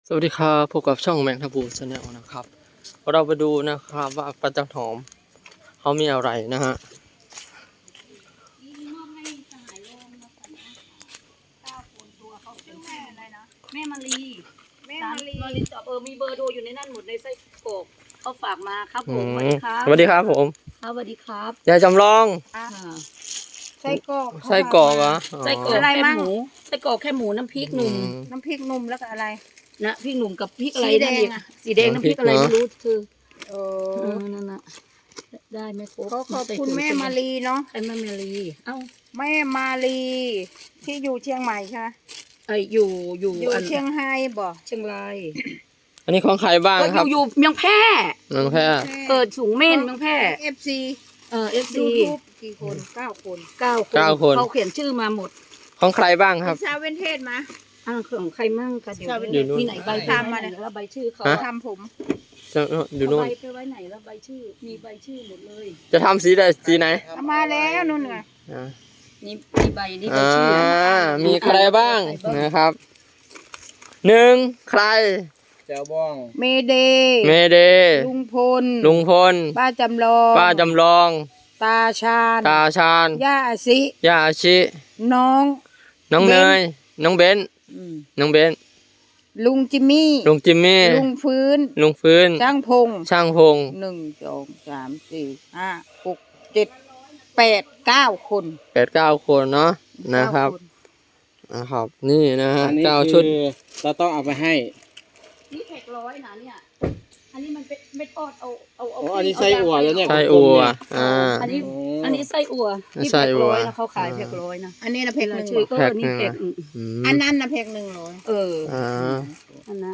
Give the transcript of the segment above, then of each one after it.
สวัสดีครับพบกับช่องแมงทับบูชาแนลนะครับเราไปดูนะครับว่าปลาจันหอมเขามีอะไรนะฮะแม่มารีตอบมีเบอร์โทรอยู่ในนั้นหมดในไส้กรอกเขาฝากมาครับผมสวัสดีครับสวัสดีครับผมสวัสดีครับยายจำลองไส้กรอกไส้กรอกเหรอไส้กรอกอะไรแค่มั่งหมูไส้กรอกแค่หมูน้ำพริกหนุ่มน้ำพริกหนุ่มแล้วก็อะไรนะพริกหนุ่มกับพริกอะไรสีแดงนั่นอีกอะสีแดงน้ำพริกอะไรไม่รู้คือโอ้นั่นน่ะได้ไหมครบขอขอบคุณแม่มารีเนาะไอ้แม่มารีเอ้าแม่มารีที่อยู่เชียงใหม่ใช่ไหมอยู่อยู่อันเชียงไฮ้บ่เชียงรายอันนี้ของใครบ้างก็ครับอยู่เมืองแพร่น้องแพรเปิดสูงเม่นเมืองแพร่ FC FC ยูทูบกี่คน9 คน 9 คนเขาเขียนชื่อมาหมดของใครบ้างครับชาวเวนเทศมาของใครมั่งคะเดี๋ยวอยู่นู่นที่ไหนใบตามมาเนี่ยแล้วใบชื่อเขาฮะทำผมดูโน่นเอาใบไปไว้ไหนแล้วใบชื่อมีใบชื่อหมดเลยจะทำสีใดสีไหนเอามาแล้วนู่นไงอ่านี่มีใบนี่ใบชื่อมีใครบ้างนะครับหนึ่งใครแจวบ้องเมเดย์เมเดลุงพลลุงพลป้าจำลองป้าจำลองตาชาญตาชาญย่าสิย่าอาชิน้องน้องเบเนนยน้องเบนน้องเบนลุงจิมมี่ลุงจิมมี่ลุงฟื้นลุงฟื้นช่างพงช่างพง 1 2 3 4 5 6 7 8 9 คน 8-9 คนเนาะนะครับ 9 นะครับ นี่นะฮะอันนี้ 9 ชุดคือเราต้องเอาไปให้นี่แขกร้อยนะเนี่ยอันนี้มันเป็นไม่ทอดเอาโอ้อันนี้ไส้อั่วแล้วเนี่ยไส้อั่วอ่าอันนี้ไส้อั่วนี่ไส้แขกอั่วร้อยนะเขาขายแขกร้อยนะอันนี้นะเพกหนึ่งชื่อก็แพ็คนี่หนึ่งแขกอืมอันนั้นนะเพก100 อ่าอันนะ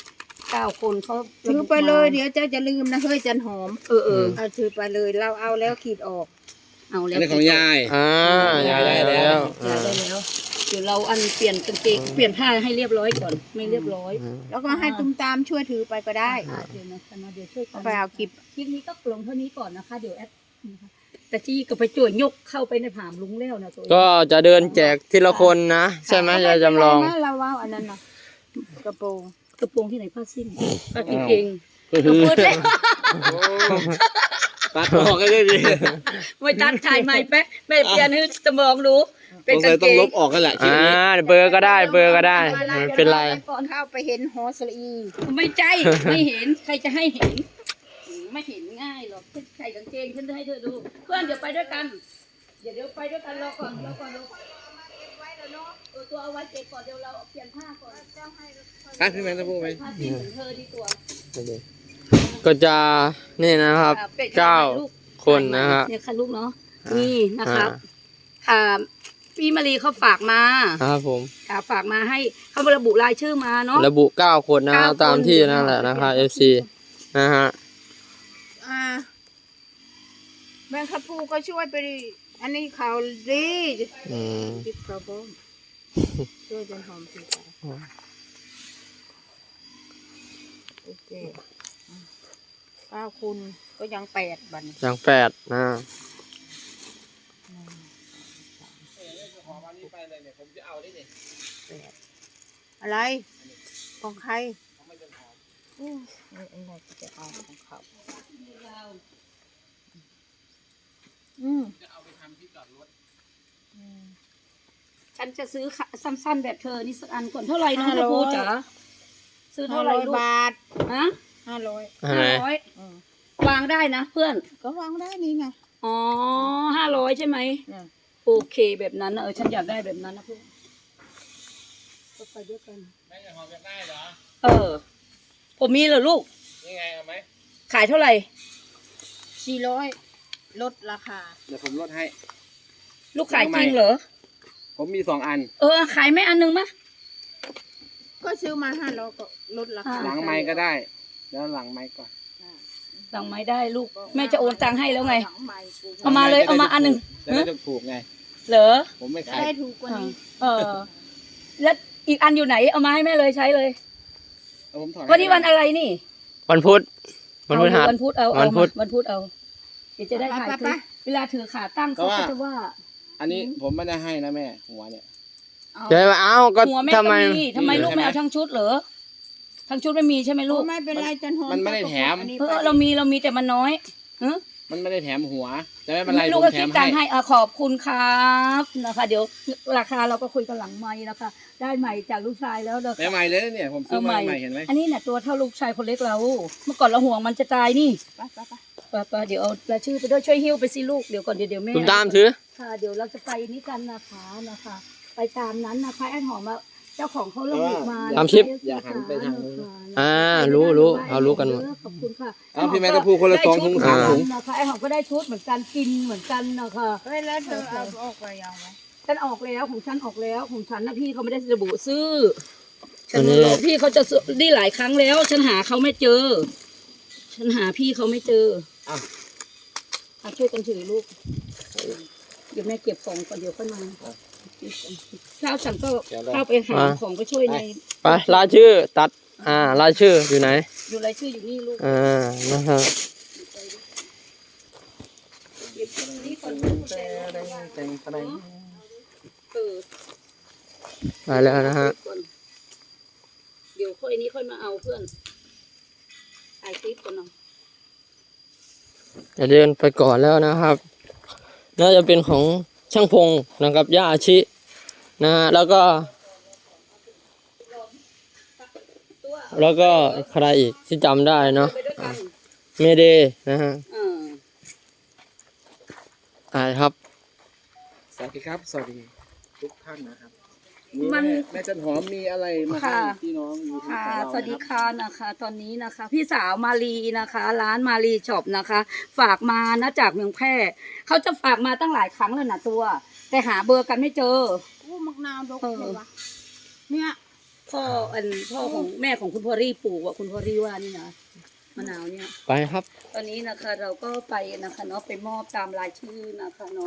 9 คนเขาถือไปเลยเดี๋ยวเจ้าจะลืมนะเฮ้ยจันหอม เอาถือไปเลยเราเอาแล้วขีดออกเอาแล้อัวนนี้ของยายยายได้แล้วยายได้แล้วเดี๋ยวเราอันเปลี่ยนกางเกงเปลี่ยนผ้าให้เรียบร้อยก่อนไม่เรียบร้อยแล้วก็ให้ตุ้มตามช่วยถือไปก็ได้เดี๋ยวนะคะเดี๋ยวช่วยกัเอานไปเอาคลิปคลิปนี้ก็ลงเท่านี้ก่อนนะคะ เดี๋ยวแอดนะคะแต่จี้ก็ไปจ่วยยกเข้าไปในผามลุงแล้วนะตัวเองก็จะเดินแจกทีละคนนะ ใช่ไหมยายจำลองไม่เป็นไรนะเราว่าอันนั้นนะกระโปรงกระโปรงที่ไหนผ้าสิ้นผ้ากางเกงก็คือพูดเลยตัดออกกันเลยดิไม่ตัดถ่ายใหม่แป๊ะแม่เปลี่ยนให้สมองรู้เป็นสงกาสัยงเกต้องงลบออกกันแหละคลิปอ่านี้เบอร์ก็ได้เบอร์ก็ได้ไม่เป็นไรก่อนเข้าไปเห็นหอสลีไม่ใจไม่เห็นใครจะให้เห็นไม่เห็นง่ายหรอกใส่กางเกงฉันจะให้เธอดูเพื่อนเดี๋ยวไปด้วยกันเดี๋ยวไปด้วยกันรอก่อนตัวเอาไว้เก็บก่อนเดี๋ยวเราเปลี่ยนผ้าก่อนอ่ะพี่แมงจะพูดไหมผ้าสิ้นของเธอดีตัวก็จะนี่นะครับ9 คนนะฮะเนี่ยค่ะลูกเนาะนี่นะครับพี่มารีเขาฝากมาครับผมฝากมาให้เขาระบุรายชื่อมาเนาะระบุ 9 คนนะฮะ 9 ตามที่นั่นแหละนะคะ FC นะฮะแม่ขับพูก็ช่วยไปดิอันนี้เขาดีอืมติดเขาบ้องช่วยจันหอมทีไปโอเค9 คนก็ยัง8บัดนอย่าง8นะอะไรของใครอู้ไม่อะไรจะเอาของเขาฉันจะซื้อสั้นๆแบบเธอนี่สักอันก่อนเท่าไหร่น้องตะพูจ๋าซื้อเท่าไหร่ลูก 500 บาทฮะ 500 อะไร 500วางได้นะเพื่อนก็วางได้นี่ไงอ๋อ500ใช่ไหมอืมโอเคแบบนั้นนะฉันอยากได้แบบนั้นนะเพื่อนก็ไปด้วยกันแม่จะหอมจะได้เหรอผมมีเหรอลูกนี่ไงเอาไหมขายเท่าไหร่ 400ลดราคาเดี๋ยวผมลดให้ลูกขายจริงเหรอผมมี2 อันขายไหม่อันนึงมะก็ซื้อมา500ก็ลดราคาหลังไม้ก็ได้ แล้วหลังไม้ก่อนสั่งไม้ได้ลูกแม่จะโอนตังค์ให้แล้วไงหลังใหม่กูเอามาเลยเอามาอันหนึ่งจะได้ถูกไงเหรอผมไม่จะขายได้ถูกกว่านี้แล้วอีกอันอยู่ไหนเอามาให้แม่เลยใช้เลยเอาผมถอดวันนี้วันอะไรนี่วันพุธวันพฤหัสวันพุธเอาวันพุธวันพุธเอาเดี๋ยวจะได้ถ่ายคลิปเวลาถือขาตั้งเขาก็จะว่าอันนี้ผมไม่ได้ให้นะแม่หัวเนี่ยจะมาเอาก็หัวแม่ทำไมก็มีทำไมลูกไม่เอาทั้งชุดเหรอทั้งชุดไม่มีใช่ไหมลูโอ้กไม่เป็นไรจันหอมมันไม่ได้แถมอันนี้เรามีแต่มันน้อยฮะมันไม่ได้แถมหัวแต่ไม่เป็นไรลูผกมก็แถคิดมตังค์ให้ให้ขอบคุณครับนะคะ เดี๋ยวราคาเราก็คุยกันหลังไมค์นะคะ ได้ใหม่จากลูกชายแล้วนะคะใหม่ๆเลยนะเนี่ยผมซื้อมาใหม่เห็นไหมอันนี้เนี่ยตัวเท่าลูกชายคนเล็กเรา เมื่อก่อนเราห่วงมันจะตายนี่ไปเดี๋ยวเอารายชื่อไปด้วยช่วยหิ้วไปสิลูกเดี๋ยวก่อนเดี๋ยวแม่คุณตามถือค่ะเดี๋ยวเราจะไปนี้กันนะคะ ไปตามนั้นนะคะแอนหอมมาเจ้าของเขาระบุมาตามชิปอย่าหันไปทางนู้นรู้เรารู้กันหมดขอบคุณค่ะเอาพี่แม่ต้องพูดคนละ2 ถุง 3 ถุงนะคะแอนหอมก็ได้ชุดเหมือนกันกินเหมือนกันนะคะเฮ้ยแล้วเธอเอาออกไปยังไหมฉันออกแล้วของฉันออกแล้วของฉันนะพี่เขาไม่ได้ระบุซื้ออันนี้ฉับอกพี่เขาจะซื้อนี่หลายครั้งแล้ว ฉันหาเขาไม่เจอ ฉันหาพี่เขาไม่เจออ่ะช่วยกันถือลูกเดี๋ยวแม่เก็บของก่อนเดี๋ยวค่อยมาข้าวฉันก็เข้าไปหาของก็ช่วยในไปรายชื่อตัดรายชื่ออยู่ไหนอยู่รายชื่ออยู่นี่ลูกนะฮะเก็บตรงนี้ก่อนเออไปแล้วนะฮะเดี๋ยวค่อยนี้ค่อยมาเอาเพื่อนถ่ายคลิปก่อนเนาะจะเดินไปก่อนแล้วนะครับ น่าจะเป็นของช่างพงนะครับย่าอาชินะฮะแล้วก็ใครอีกที่จำได้เนาะไปด้วยกันเมเดนะฮะครับสวัสดีครับ สวัสดีทุกท่านนะครับแม่จันหอมมีอะไรมาให้พี่น้องอยู่ที่ค่ะเราสวัสดีค่ะนะคะ ตอนนี้นะคะ พี่สาวมาลีนะคะ ร้านมาลีช็อปนะคะ ฝากมานะจากเมืองแพร่เขาจะฝากมาตั้งหลายครั้งแล้วนะตัว แต่หาเบอร์กันไม่เจอโอ้มักนาวดกเลยวะเนี่ยพ่อของแม่ของคุณพอรี่ปลูกคุณพอรี่ว่านี่นะมะนาวเนี่ยไปครับตอนนี้นะคะเราก็ไปนะคะเนาะไปมอบตามรายชื่อนะคะเนาะ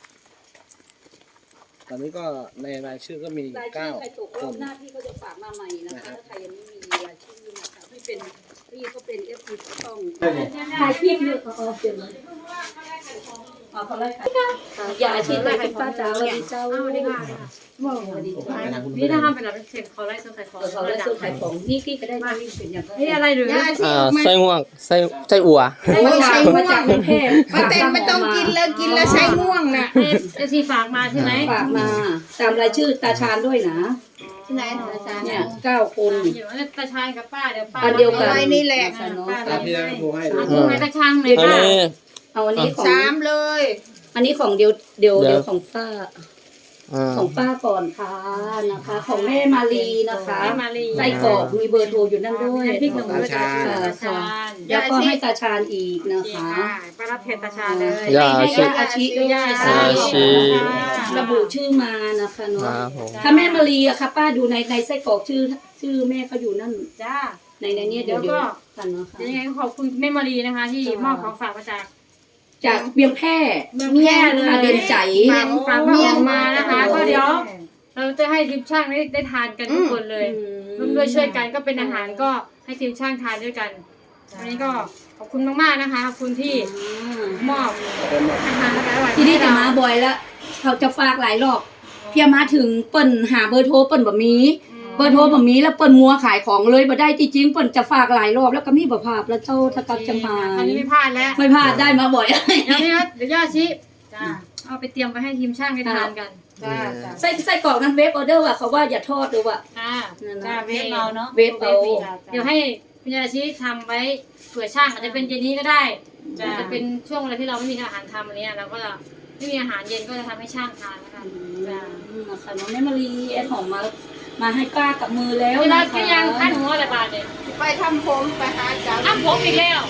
ตอนนี้ก็ในรายชื่อก็มีรายชื่อใครตกร 9 คอบนหน้าพี่เขาจะฝากมาใหม่นะคะถ้าใครยังไม่มีรายชื่อนะคะพี่ก็เป็นFPต้องถ่ายคลิปเลยเดี๋ยวเลยเขาไล่ค่ะอย่าอาชีพเลยคุณป้าจ๋าสวัสดีเจ้าสวัสดีค่ะสวัสดีค่ะนี่ถ้าทำเป็นแบบเป็นเขาไล่เสื้อขายของเขาไล่ซื้อขายของนี่กี้ก็ได้มาเป็นอย่างนี่อะไรหรือไส้ง่วงไส้อั่วมาจากกรุงเทพป้าเต็มไม่ต้องกินเลยกินแล้วใช้ง่วงน่ะเอซีฝากมาใช่ไหมฝากมาตามรายชื่อตาชาญด้วยนะที่ไหนอาจารย์เนี่ย9 คนอยู่ว่าตาชายกับป้าเดี๋ยวป้าอันเดียวกันไว้นี่แหละตามที่แม่พูดให้ดูพูดให้ตาช่างเลยอันนี้เอาอันนี้ของ 3เลยอันนี้ของเดี๋ยวของป้าอ่าของป้าก่อนค่ะนะคะ ของแม่มาลีนะคะมาลีไส้กรอกมีเบอร์โทรอยู่นั่นด้วยพริกหนุ่มด้วยตาชาญแล้วก็ให้ตาชาญอีกนะคะป้ารับเพจตาชาญเลยย่าให้อาชิอาชีด้วยย่าอาชิระบุชื่อมานะคะเนาะครับผมถ้าแม่มาลีอะค่ะป้าดูในไส้กรอกชื่อแม่เขาอยู่นั่นจ้าในนี้เดี๋ยวกันนะคะยังไงก็ขอบคุณแม่มารีนะคะ ที่มอบของฝากมาจากจากเบียงแพร่เมืองแพร่เลยเดินใจฝากมาออกมานะคะก็เดี๋ยวเราจะให้ทีมช่างได้ทานกันทุกคนเลยร่วมด้วยช่วยกันก็เป็นอาหารก็ให้ทีมช่างทานด้วยกันวันนี้ก็ขอบคุณมากๆนะคะขอบคุณที่มอบอาหารอร่อยๆที่นี่จะให้มาเราบ่อยแล้วเขาจะฝากหลายรอบเพียมาถึงเปิ่นหาเบอร์โทรเปิ่นแบบมีเบอร์โทรแบบมีแล้วเปิ่นมัวขายของเลยบ่ได้จริงๆเปิ่นจะฝากหลายรอบแล้วก็มีบ่ภาพแล้วเจ้าถ้ากับจะมาครั้งนี้ไม่พลาดแล้วไม่พลาดได้มาบ่อยเดี๋ยวนี้นะเดี๋ยวย่าชิจ้าเอาไปเตรียมไปให้ทีมช่างได้ทานกันจ้าจ้าไส้กรอกนั้นเวฟออเดอร์ว่ะเขาว่าอย่าทอดดูว่ะจ้าจ้าเวฟเอาเนาะเวฟเอาเดี๋ยวให้คุณยาชิทำไว้เผื่อช่างอาจจะเป็นเย็นนี้ก็ได้อาจจะเป็นช่วงเวลาที่เราไม่มีอาหารทำอะไรเงี้ยเราก็จะไม่มีอาหารเย็นก็จะทำให้ช่างทานแล้วกันจ้านะคะน้องแม่มารีแอนหอมมาให้ป้ากับมือแล้วเวลานะก็คะยังขั้นหัวอะไรบาทเนี่ยไปทำผมไปหาเจ้าอ้าวผมอีกแล้ว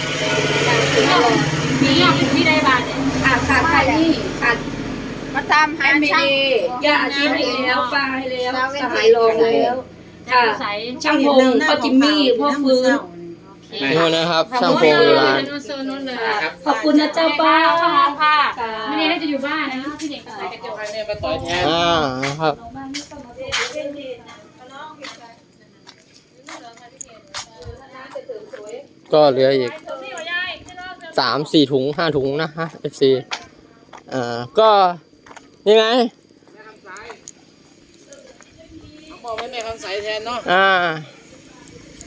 มียอดอยู่ที่ได้บาทเนี่ยขาดใครนี่ขาดมาตามหาแอนเมช่างดีย่าอาชีพให้แล้วป้าให้แล้วสหายรองแล้วค่ะใส่ช่างพงพ่อจิมมี่พ่อฟื้นนู่นนะครับช่างพงอยู่ร้านโซนนู้นเลยขอบคุณนะเจ้าป้าข้าวหอมค่ะค่ะไม่ได้น่าจะอยู่บ้านนะพี่เด็กใส่กระจกให้แม่มาต่อยแทนครับ ก็เหลืออีก3-4 ถุง 5 ถุงนะฮะ FC ก็ยังไงบอกให้แม่คำใสแทนเนาะ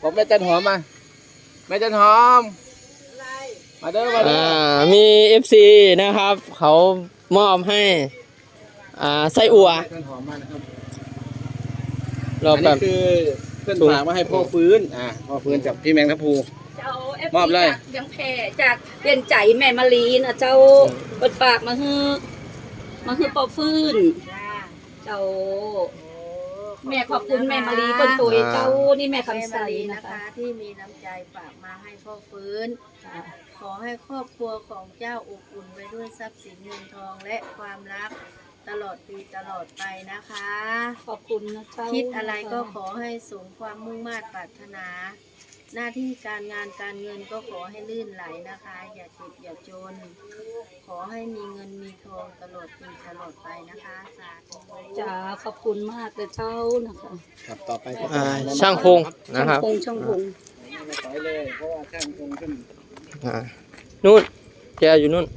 บอกแม่จันหอมมาแม่จันหอมมาเด้อมาเด้อมี FC นะครับ เขามอบให้ไส้อั่วแม่จันหอมมานะครับเราอันแบนี้บคือเพื่อนฝากมาให้พ่อฟื้นพ่อฟื้นจากพี่แมงทัพภูเจ้ามอบเลยจากยังแพร่จากเปลี่ยนใจแม่มารีนะเจ้าเปิดปากมาฮือปอฟื้น เจ้า แม่ขอบคุณแม่มารีคนสวยเจ้านี่แม่คำใสนะนะคะคะที่มีน้ำใจฝากมาให้พ่อฟื้น ขอให้ครอบครัวของเจ้าอบอุ่นไปด้วยทรัพย์สินเงินทองและความรักตลอดปีตลอดไปนะคะขอบคุณนะเจ้าคิดอะไรก็ขอให้สมความมุ่งมั่นปรารถนา หน้าที่การงานการเงินก็ขอให้ลื่นไหลนะคะ อย่าเจ็บอย่าจน ขอให้มีเงินมีทองตลอดปีตลอดไปนะคะสาธุจ๋าขอบคุณมากเลยเจ้านะคะครับต่อไปก็ช่างพงนะครับช่างพงไม่ถอยเลยเพราะว่าช่างคงขึ้นนู่นแกอยู่นู่น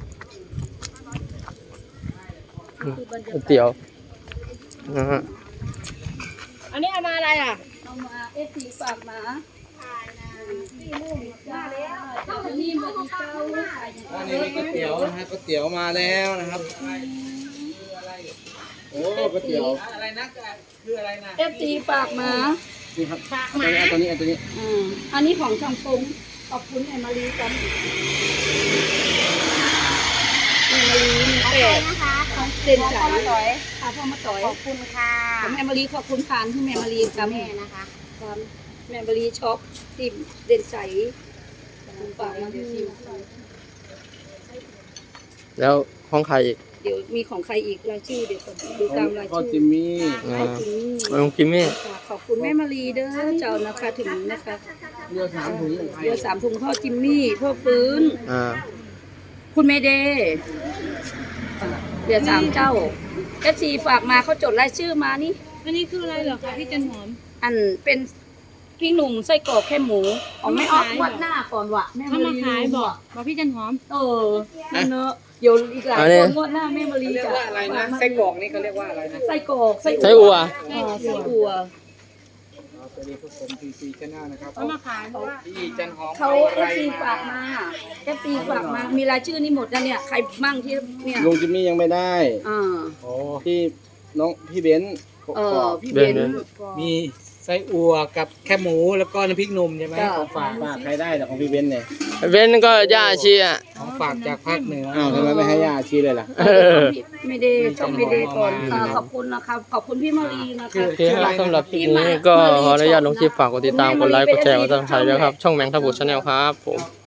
ก๋วยเตี๋ยวนะฮะอันนี้เอามาอะไรอ่ะเอามาFC ฝากมาเจ้านี่มาดีเจ้าอันนี้มีก๋วยเตี๋ยวนะฮะก๋วยเตี๋ยวมาแล้วนะครับโอ้ก๋วยเตี๋ยวอะไรนะคืออะไรนะ FC ฝากมานี่ครับตัวนี้อันนี้ของช่างพงขอบคุณแม่มารีกันแม่มารีเป็ดของเด่นใจค่ะพ่อมาต่อยขอบคุณค่ะของแม่มารีขอบคุณผ่านที่แม่มารีกับแม่นะคะครับแม่มารีช็อปติ่มเด่นใจฝากมาดูแล้วห้องใครอีกเดี๋ยวมีของใครอีกรายชื่อเดี๋ยวก่อนดูตามรายพ่อชื่อจิมมี่ขอบคุณลุงจิมมี่ขอบคุณแม่มารีเด้อเจ้านะคะถึงนะคะเรือ3 ถุงของใครเดี๋ยว3 ถุงพ่อจิมมี่พ่อฟื้น คุณเมเดย์เดี๋ยว3 เจ้า FC ฝากมาเขาจดรายชื่อมานี่อันนี้คืออะไรเหรอคะพี่จันหอมอันเป็นพี่หนุ่มไส้กรอกแค่หมูของแม่ออกวัดหน้าก่อนวะแม่เขามาขายบอกพี่จันหอมนั่นเนอะเดี๋ยวอีกหลายคนงวดหน้าแม่มารีเรียกจะว่าอะไรนะไส้กรอกนี่เขาเรียกว่าอะไรนะไส้กรอกไส้ไส้อั่วไส้อั่วสวัสดีทุกคนTC Channel นะครับเขามาขายเพราะว่าพี่จันหอมเขาอะไร FC ฝากมา FC ฝากมามีรายชื่อนี่หมดแล้วเนี่ยใครมั่งที่เนี่ยลุงจิมมี่ยังไม่ได้อ่าโอ้พี่เบนซ์พี่เบนซ์มีไส้อั่วกับแค่หมูแล้วก็น้ำพริกหนุ่มใช่ไหมจ้ะของฝากฝากใครได้แต่ของพี่เบนซ์เนี่ยเว้นก็ย่าชีอ่ะของฝากจากภาคเหนืออ้าวทำไมไม่ให้ย่าชี้เลยล่ะไม่ได้ต้องไม่ได้ก่อนค่ะขอบคุณนะครับขอบคุณพี่มารีนะคะโอเคครับสำหรับคลิปนี้ก็ขออนุญาตลงคลิปฝากกดติดตามกดไลค์กดแชร์กดซับสไครต์ด้วยครับ ช่องแมงทับบุชแนลครับผม